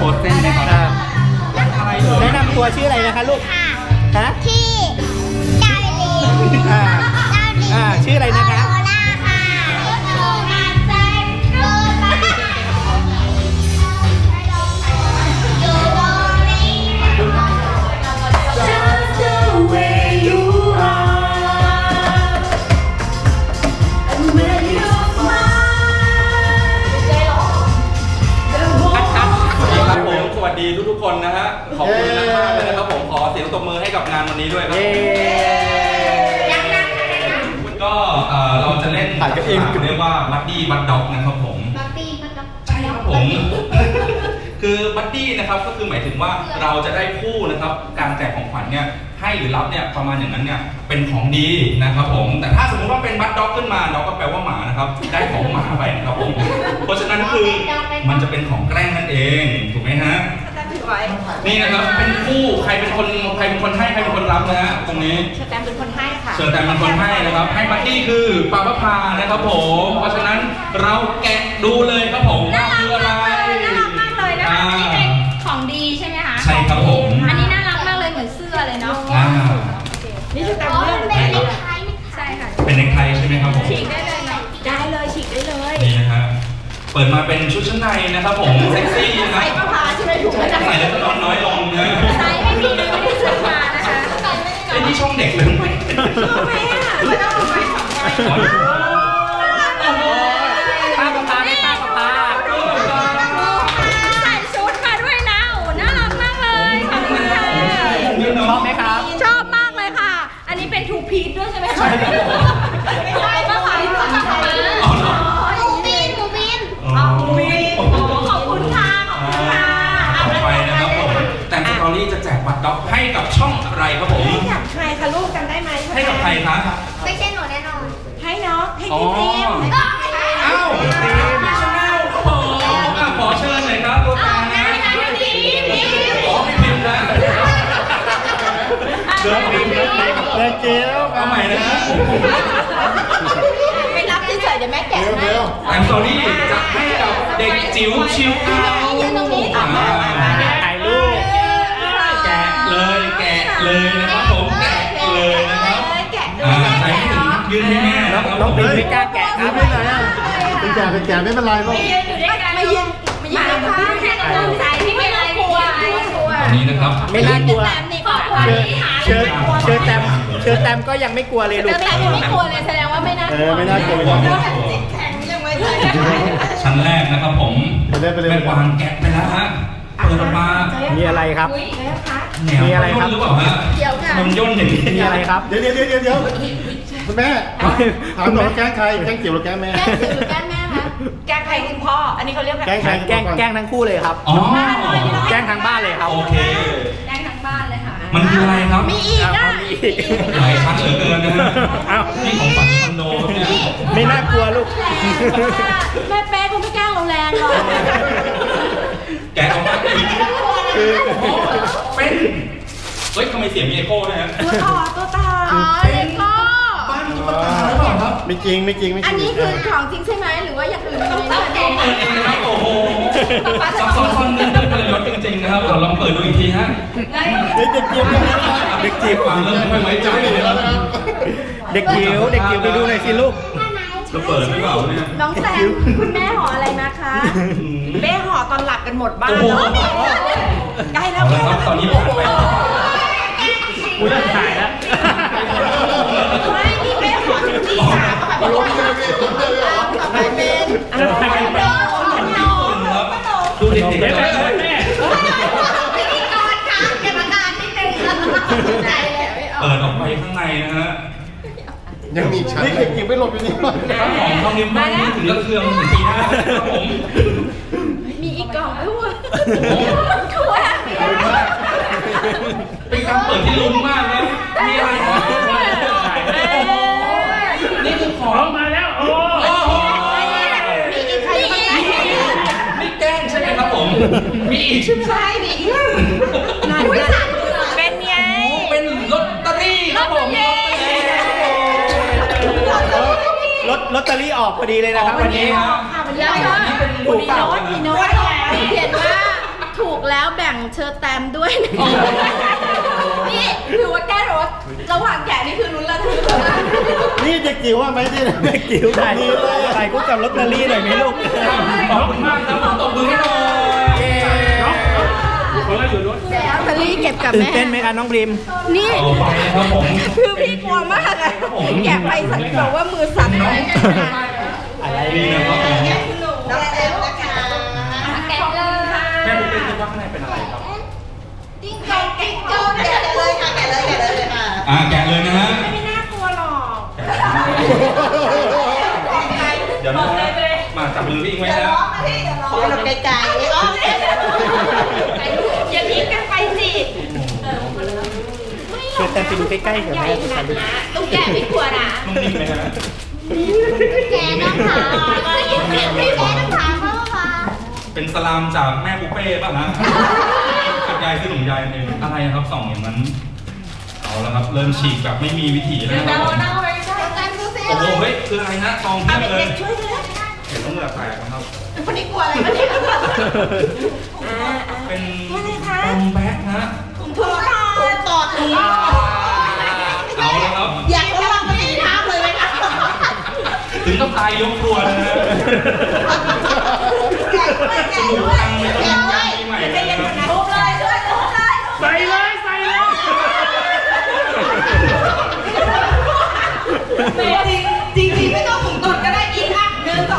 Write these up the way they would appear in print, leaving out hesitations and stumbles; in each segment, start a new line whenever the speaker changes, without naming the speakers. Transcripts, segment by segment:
ว์เส้นไหมครับอะไรแนะนำตัวชื่ออะไรนะคะลูกฮะ
ที่ดาวลี
ชื่ออะไรนะคะ
สวัสดีทุกคนนะฮะขอบคุณมากเลยนะครับผมขอเสียงตบมือให้กับงานวันนี้ด้วยครับก็เราจะเล่นเรียกว่าบัดดี้บัดด็อกนะครับผม
บัดดี้บัดด็อก
ใช่ครับผมคือบัดดี้นะครับก็คือหมายถึงว่าเราจะได้คู่นะครับการแจกของขวัญเนี่ยให้หรือรับเนี่ยประมาณอย่างนั้นเนี่ยเป็นของดีนะครับผมแต่ถ้าสมมติว่าเป็นบัดด็อกขึ้นมาด็อกก็แปลว่าหมานะครับได้ของหมาไปนะครับผมเพราะฉะนั้นคือมันจะเป็นของแกล้งนั่นเองถูกไหมฮะนี่นะครับเป็นคู่ใครเป็นคนให้ใครเป็นคนรับนะฮะตรงนี้
เชอร์แตมเป็นคนให้ค่ะ
เชอร์แตมเป็นคนให้นะครับให้บัดดี้คือปาปะพานะครับผมเพราะฉะนั้นเราแกะดูเลยครับผมว่าคืออะไร
น่ารักมากเลยนะคะนี่เป็นของดีใช่ไหมคะ
ใช่ครับผม
อันนี้น่ารักมากเลยเหมือนเสื้อเลยเนาะนี่เชอร์แตมเลือกเป็นเน็กไทใช่ค่ะ
เป็นเน็กไทใช่ไหมครับผม
ฉีกได้เลยเนาะได้เลยฉีกได้เลย
นี่นะฮะเปิดมาเป็นชุดชั้นในนะครับผมเซ็กซี่นะครับ
ใส่ผ้าใช่ไหมถูกไหม
ใส่แล้วก็นอนน้อยลงนะ
ใส่ไม่มีเลยไม่ได้ซื้อมานะคะ
ไอ้นี่ช่องเด็กเลย
ชอบไหมอ่ะไม่ต้องเอาไปสองใบ
ป้าประพาไม่ป้าประพา
ใส่ชุดมาด้วยนะโอ้น่ารักมากเลยขอบคุณค่ะ
ชอบไหมครับ
ชอบมากเลยค่ะอันนี้เป็นทูพีซด้วยใช่ไหมคะไม่ใช่ป้าขายขอบคุณค่ะ
ต่อไปนะครับผมแต่สตอรี่จะแจกบัตรด็อกให้กับช่องอะไรครับผม
ให้กับใครคะลูกจำได้ไหม
ให้กับใครคะ
ไม่ใช่หนูแน่นอนให้น้องให้พี่เต็ม
อ้าวขอเชิญหน่อยครับตัวแทนนะขอพี่พิมพ์นะ
เดินเกี้ยว
เอาใหม่นะ
ไปรับที่เฉยเดี๋ยวแม่แกะให้
แต่สตอรี่จะให้กับเด็กจิ๋วชิวเอา
ถ่ายรูป
แกะเลยนะครับผมแกะเลยนะครับใส่ให้ถึงยืนให้แม่
น้องปิ่นไม่กล้าแกะครับไม่ไหนอ่ะ
เป็นแกะไม่เป็นไรหรอก
ไม่ยืนนะคะแค่กำลังใจที่ไม่กลัว
ตอนนี้นะครับ
ไม่น่ากลัวเชิญแตมก็ยังไม่กลัวเลยลูก
เชิญแตมยังไม่กลัวเลยแสดงว่าไม่น่ากลัว
ไม่น่ากลัว
แข็งยังไม่ได้
ชั้นแรกนะครับผมเป็นวางแกะไปแล้วฮะเปิดออกมา
มีอะไรครับ
มีอะไรครับหรือเปล่าฮะมันย่นอย่างนี้
มีอะไรครับ
เดี๋ยวคุณแม่ถามหน่อยแกล้งใครแกล้งจิ๋วหรือแกล้งแม่
แกล้งแม่คะแกล้งใครคุณพ่ออันนี้เขาเรียก
แกล้งทั้งคู่เลยครับแกล้งทั้งบ้านเลยครับ
โอเค
แกล้งทั้งบ้านเลยค่ะ
มันคืออะไรครับ
มีอีกอ่ะ
หลายชั้นเหลือเกินนะฮะนี่ของฝันคอนโดเนี่ย
ไม่น่ากลัวลูก
แม่เป๊ะคงไม่แกล้งเราแรงหรอก
แกะออกมาคือเป็นเฮ้ยทำไมเสียงมีเอโก้ด้วยฮะ
ตัวต่อเลโก้
บ้านมีตุ๊กตาหรือเปล่าครับ
ไม่จริง
อันนี้คือของจริงใช่ไหมหรือว่าอย่างอื่น
ต้องเปิดเองนะครับโอ้โหซับซ้อนเงินเปิดรถจริงๆนะครับเราลองเปิดดูอีกทีฮะ
เด็กจิ๋ว
ฟังเริ่มไม่ไว้ใจเลยแล้วนะครับ
เด็กจิ๋วไปดูหน่อยสิลูก
จะเปิดหรือเปล่าเนี่ย
น้องแซมคุณแม่ห่ออะไรนะคะแม่ห่อตอนหลับกันหมดบ้านใกล้แล้ว
ตอนนี้ผ่านไป
กูจะถ่ายแล้ว
ไม่นี่แม่ห่อถึงที่3ค่ะพี่ลูกต่อไปเป็น
ดูเด็กๆแม่
พิธีกรค่ะกรรมการนิดนึงใจแล้ว
เปิดออกไปข้างในนะฮะ
ยังมีชั้นนี่เก็บไม่หลบอยู่นี่
ของทองนิ้วบ้านนี้ถึงกระเทืองถึงปีหน้าครับผม
มีอีกกล่องด้วยถั่ว
เป็นการเปิดที่ลุ้นมากนะมีอะไรนี่คือของ
มาแล้วโอ้
มีอีกใคร
นี่แกล้งใช่ไหมครับผมมีอีกใช่ไหม
ใช่มีอีกเป็นไง
เป็นลอตเตอรี่ครับผม
ลอตเตอรี่ออกพอดีเลยนะครับวันนี้
แล้วก็มีโน้ตเขียนว่าถูกเชิญแตมด้วยนะนี่คือว่าแก้รถระหว่างแกะนี่คือลุ้นระทึกมาก
นี่เด็กจิ๋วว่าไหมที่
แม่จิ๋วถ่ายถ่ายคู่กับลอตเตอรี่หน่อยไหมลูก
ขอบคุณมากครับตบมือให้หน่อย
ลอตเตอรี่เก็บกับ
ตื่น
แม่
เต้นไหมคะน้องพริม
นี่
ต่อไปนะครับผม
คือพี่กลัวมากอะแกะไปสังเกตว่ามือสั่นเลย
อะไร
นี่นะครับผม
น้องแตมนะคะแกะเลยค่ะ
แม่บุ๊กเป็นคิดว่าข้างในเป็นอะไรครับ
จิ้งจกจิ้งจกแกะเลยค่ะแกะเลยค่ะ
แกะเลยนะฮะ
ไม่น่ากลัวหรอก
เดี๋ยวนะมาจับมือพี่อิงไว้นะ
ขอเราไกลๆอย่าทิ้งกันไปสิ
เชิญแตมไปดูใกล้ๆกับแม่สิคะลูก
ลูกแกะไม่กลัวนะ
นุ่มนิ่มไหมฮะ
แกนะคะพี่แกนะคะพ่อค่ะ
เป็นสลามจากแม่บุฟเป้ป่ะฮะกับยายคือหนุ่มยายเองอะไรครับส่องอย่างนั้นเอาแล้วครับเริ่มฉีกแบบไม่มีวิถีแล้วนะครับผม
ไปใช่กันดูสิ
โอ้โหเฮ้ยคืออะไรนะซองเพียบเลย
ช่วยเลย
เห็นต้องเหงื่อแตกนะครับ
คนนี้กลัวอะไรวะเนี่ย
เป็นบอมแบ็กฮะ
ถุงตอด
เอาแล้วครับ
อยากระวังมันตีน้ำเลยไหมคะ
ถึงต้องตายยกครัวนะฮะ
แกะด้วยแกะด้วยแกะด้วยใจเย็นๆนะทุบเลยช่วยทุบเลย
ใส่เลยใส่เลย
จริงไม่ต้องถุงตอดก็ได้อีกอ่ะ1 2 3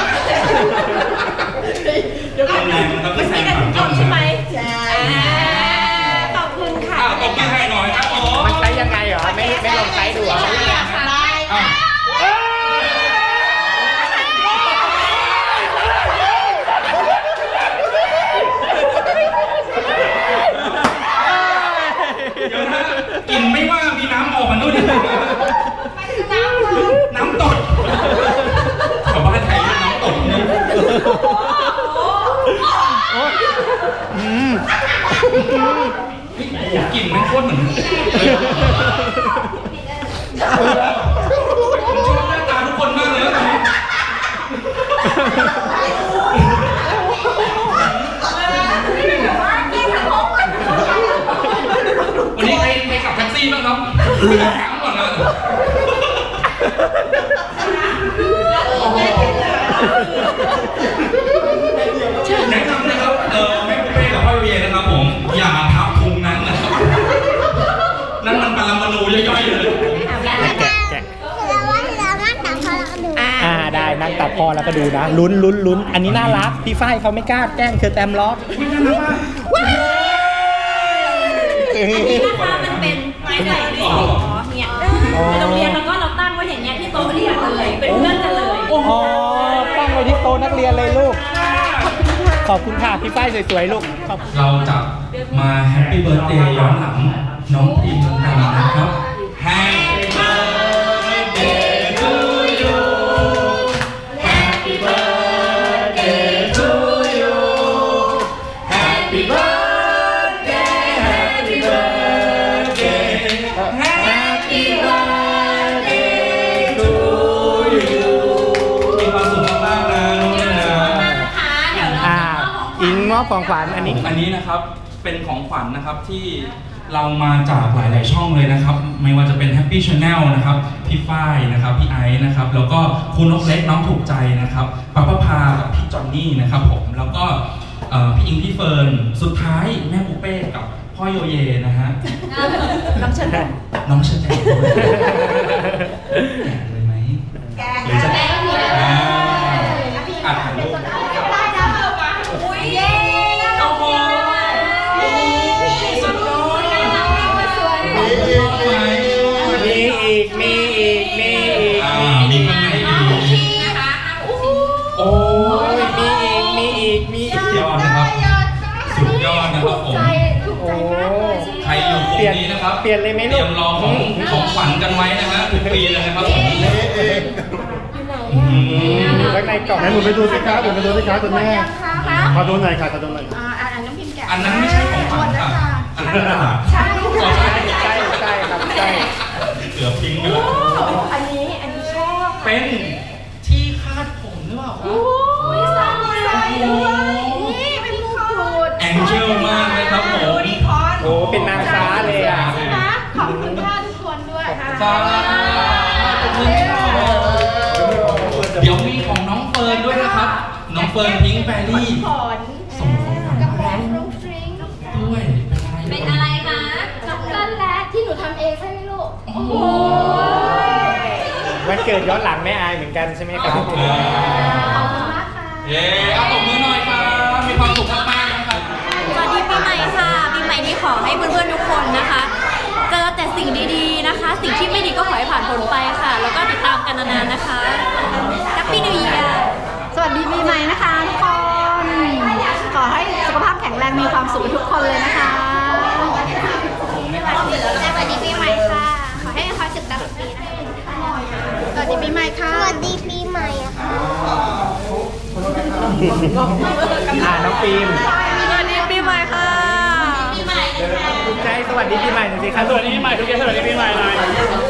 เดี๋ยวก่อนมันไม่ได้ถุงตอดใช่ไหมใช่ขอบคุณค่ะ
ตบมือให้หน่อยครับผม
มันใช้ยังไงเหรอไม่ลองใช้ดูเหรอ
อ่ะเดี๋ยวนะกลิ่นไม่ว่ามีน้ำออกมาด้วยดิน้ำตดชาวบ้านไทยเรียกน้ำตดนะ
อืม
กลิ่นไม่โคตรเหมือนผมชอบหน้าตาทุกคนมากเลยนะตอนนี้วันนี้ใครขับแท็กซี่บ้างครับถามก่อนนะแนะนำนะครับแม่ปุ้เป้กับพ่อเวียนะครับผมอย่าทับพุงนั้นนะครับนั่นมันปรมาณูย่อยๆเลย
แกะได้นั่งตัดพอแล้วก็ดูนะลุ้นอันนี้น่ารักพี่ฝ้ายเขาไม่กล้าแกล้งเชิญแตมล็อก
นี่นะคะมันเป็นที่ใส่ดินสอเนี่ยในโรงเรียนแล้วก็เราตั้งไว้อย่างเงี้ยที่โต๊ะเรียนเลยเป็นเพื่อนกันเลย
อ๋อตั้งไว้ที่โต๊ะนักเรียนเลยลูกขอบคุณค่ะพี่ฝ้ายสวยๆลูก
เราจะมาแฮปปี้เบิร์ดเดย์ย้อนหลังน้องพิมกันนะครับ Happy birthday to you Happy birthday to you Happy birthday Happy birthday Happy birthday to you มีความสุขมากๆนะน้องนะ
อิงมอบของขวัญอันนี้
อันนี้นะครับเป็นของขวัญนะครับที่เรามาจากหลายๆช่องเลยนะครับไม่ว่าจะเป็น Happy Channel นะครับพี่ฝ้ายนะครับพี่ไอซ์นะครับแล้วก็คุณนกเล็กน้องถูกใจนะครับป้าป้าพากับพี่จอนนี่นะครับผมแล้วก็พี่อิงพี่เฟิร์นสุดท้ายแม่ปูเป้กับพ่อโยเยนะฮะ
น้ำเชิญ
น้องเชญแจกด้วยแกะเลยไหมหรือจะอัดถ่ายรูป
ได้นะเปิดมาอุ้ยเย้โอ้โหสุดยอดสวย
มีอีกมี
มีข้างในอีก
นะคะ
โอ้ย
มีอีก
สุดยอดนะครับสุดยอดนะครับผม
ถูกใจมากเลย
ใครอยู่กลุ่มนี้นะครับ
เปลี่ยนเลยไหม
เตรียมรอของขวัญกันไว้นะฮะทุกปีเลยนะครับผม
อยู่ข้างในกล่อง
ไหนหนูไปดูสิครับหนูไปดูสิครับคุณแม่ขอดูหน่อยค่ะขอดูหน่อย
น้ำพิมพ์แกะ
อันนั้นไม่ใช่ของขวัญค่ะอันนั้นกระดาษ
ใช่
อ๋อใช่
ใช่ครับใช่
เกือบทิ้งไปแล้ว
อันนี้ชอบ
เป็นที่คาดผมหรือเปล่าครับ
อุ้ยใส่เลยนี่เป็นมงกุฎ
แองเจิลมากเลยครับสาธุเดี๋ยวมีของน้องเฟิร์นด้วยนะครับ น้องเฟิร์นพิงค์แฟรี่ส่งของขวัญมาให้ด้วยเป็นอะไร
เป็นอะไรคะ
ช็อกโกแลตที่หนูทำเองใช่ไหมลูก
โอ้โห
วันเกิดย้อนหลังแม่อายเหมือนกันใช่ไหมครับ
ขอบคุณมากค่ะ
เย้เอาตบมือหน่อยครับ มีความสุขมากๆนะครับ
สวัสดีปีใหม่ค่ะปีใหม่นี้ขอให้เพื่อนๆทุกคนนะคะ เจอแต่สิ่งดีๆนะคะ สิ่งที่ไม่ดีก็ขอให้ผ่านพ้นไปค่ะ แล้วก็ติดตามกันนานๆนะคะ Happy New Year
สวัสดีปีใหม่นะคะทุกคน ขอให้สุขภาพแข็งแรงมีความสุขทุกคนเลยนะคะ สวัสดีปีใหม่ค่ะ ขอให้มีความสุขตลอดปีนะคะสวัสดีปีใหม่ค่ะ
สวัสดีปีใหม่อะค่ะ
น้องฟิล์ม
สวัสดีปีใหม่ค่ะปีใหม่นะคะ
ภูมิใจสวัสดีปีใหม่หน่อยสิครับสวัสดีปีใหม่ทุกท่านสวัสดีปีใหม่หน่อย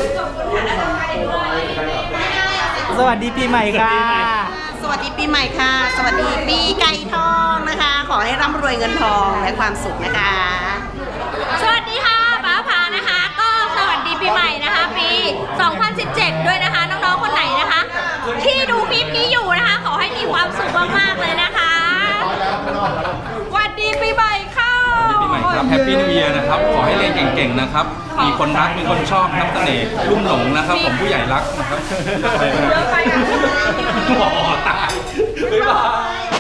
สวัสดีปีใหม่ค่ะ
สวัสดีปีใหม่ค่ะ สวัสดีปีไก่ทองนะคะ ขอให้ร่ำรวยเงินทองและความสุขนะคะ
สวัสดีค่ะป้าผานะคะ ก็สวัสดีปีใหม่นะคะ ปี 2017 ด้วยนะคะ น้องๆ คนไหนนะคะ ที่ดูคลิปนี้อยู่นะคะ ขอให้มีความสุขมากๆเลยนะคะสวัสดีปีใหม่ค่ะ
ปีใหม่ครับ Happy New Year นะครับ ขอให้เรียนเก่งๆนะครับ มีคนรัก มีคนชอบน้ำเสน่ห์ลุ่มหลงนะครับ ผมผู้ใหญ่รักนะครับ
เยอะไปอ่ะ
หมอตายบ๊ายบาย